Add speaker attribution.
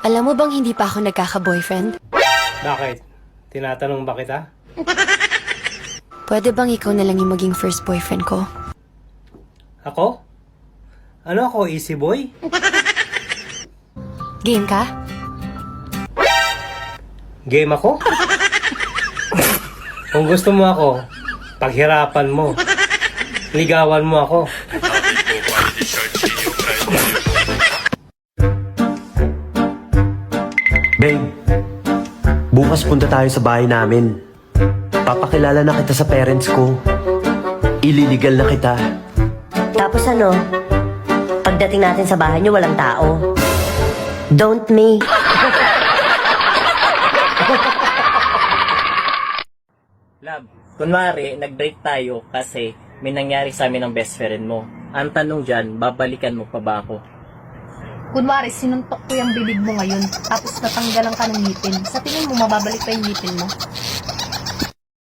Speaker 1: Alam mo bang hindi pa ako nagkaka-boyfriend?
Speaker 2: Bakit? Tinatanong ba kita?
Speaker 1: Pwede bang ikaw na lang yung maging first boyfriend ko?
Speaker 2: Ako? Ano ako, easy boy?
Speaker 1: Game ka?
Speaker 2: Game ako? Kung gusto mo ako, paghirapan mo. Ligawan mo ako.
Speaker 3: Babe, bukas punta tayo sa bahay namin. Papakilala na kita sa parents ko. Ililigal na kita.
Speaker 4: Tapos ano, pagdating natin sa bahay niyo, walang tao. Don't me.
Speaker 5: Love, kunwari, nag-break tayo kasi may nangyari sa amin ng best friend mo. Ang tanong dyan, babalikan mo pa ba ako?
Speaker 6: Kunwari, sinuntok ko yung bibig mo ngayon, tapos natanggalan ka ng ngipin. Sa tingin mo, mababalik pa yung ngipin mo?